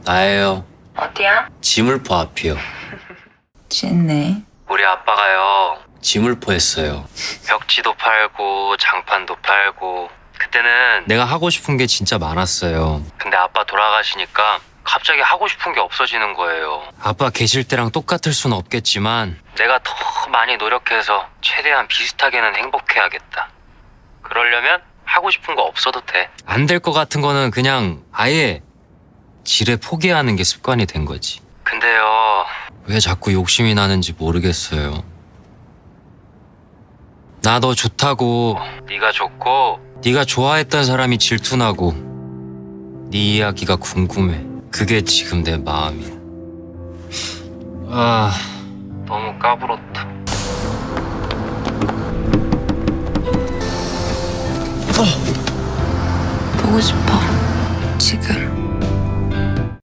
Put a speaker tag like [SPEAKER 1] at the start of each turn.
[SPEAKER 1] 나예요.
[SPEAKER 2] 어디야?
[SPEAKER 1] 지물포 앞이요.
[SPEAKER 2] 취했네.
[SPEAKER 1] 우리 아빠가요 지물포 했어요. 벽지도 팔고 장판도 팔고. 그때는 내가 하고 싶은 게 진짜 많았어요. 근데 아빠 돌아가시니까 갑자기 하고 싶은 게 없어지는 거예요. 아빠 계실 때랑 똑같을 수는 없겠지만 내가 더 많이 노력해서 최대한 비슷하게는 행복해야겠다. 그러려면 하고 싶은 거 없어도 돼. 안 될 것 같은 거는 그냥 아예 지레 포기하는 게 습관이 된 거지. 근데요, 왜 자꾸 욕심이 나는지 모르겠어요. 나 너 좋다고, 네가 좋고 네가 좋아했던 사람이 질투나고 네 이야기가 궁금해. 그게 지금 내 마음이야. 아, 너무 까불었다.
[SPEAKER 2] 보고 싶어. 지금.